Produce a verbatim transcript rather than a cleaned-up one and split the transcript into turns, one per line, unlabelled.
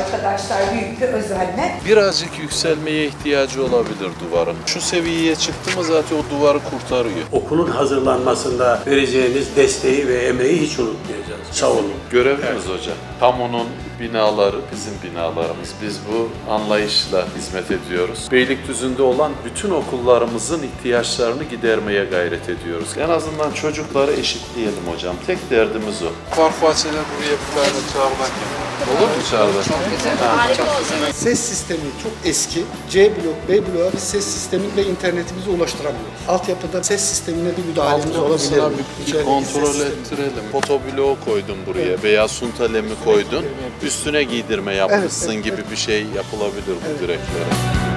arkadaşlar büyük bir özenle.
Birazcık yükselmeye ihtiyacı olabilir duvarın. Şu seviyeye çıktı mı zaten o duvarı kurtarıyor.
Okulun hazırlanmasında vereceğiniz desteği ve emeği hiç unutmayacağız. Sağ olun.
Görevimiz hocam. Kamunun binaları bizim binalarımız. Biz bu anlayışla hizmet ediyoruz. Beylikdüzü'nde olan bütün okullarımızın ihtiyaçlarını gidermeye gayret ediyoruz. En azından çocukları eşitleyelim hocam. Tek derdimiz o. Park bahçeler buraya bir tane çağırmak gibi. Olur mu çağırmak? Çok güzel.
Harika olsun.
Ses sistemi çok eski. C blok, B bloğa biz ses sistemi ve internetimizi ulaştıramıyoruz. Altyapıda ses sistemine bir müdahalemiz olabilir.
Altyapısına bir, bir
İçerideki
kontrol
ses sistemi.
ettirelim. Fotobloğu koydun buraya
Evet.
veya suntalemi koydun. Üstüne giydirme yapmışsın
evet,
gibi
evet.
bir şey yapılabilir bu
Evet.
direklere.